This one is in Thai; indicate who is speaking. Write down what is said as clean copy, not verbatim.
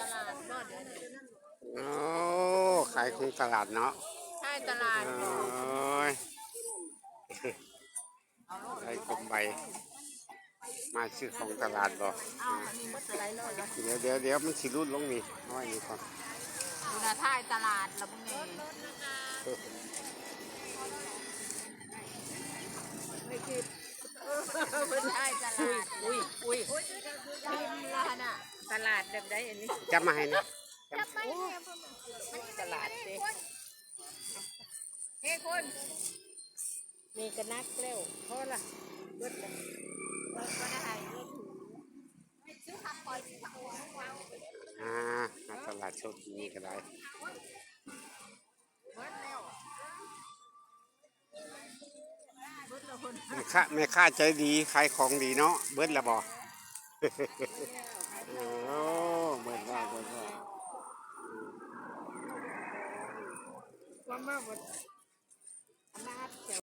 Speaker 1: ตลาดบ่เดี๋ยวนี้
Speaker 2: โอ้ขายของตลาดเนาะ
Speaker 1: ใช่ตลาด
Speaker 2: โอ้
Speaker 1: บ่
Speaker 2: ยไอ้กลมใบมาซื้อของตลาดบ่
Speaker 1: เอาอันนี้มันอะไรเลยล่ะ
Speaker 2: เดี๋ยวมันสิรุดลงนี่เอาไว้นี่ก่อน
Speaker 1: อยู่หน้าท้ายตลาดละมึงนี่ไม่คิดไม่ใช่ตลาดอุ้ยพิมพ์ละน่ะตลาดแบบใดอันนี้
Speaker 2: จับมาให้นะ
Speaker 1: ตลาดสิเฮ้คนมีกระนักเร็วเพราะล่ะเบิดเลยก็ได้เบิดซื้อผักคอยซื้อผักคอย
Speaker 2: มาตลาดโชคดีก็ได้แม่ค้าใจดีขายของดีเนาะเบิดละบ่โอ้เบิดว่า
Speaker 1: ว่ามาหมดอำนาจ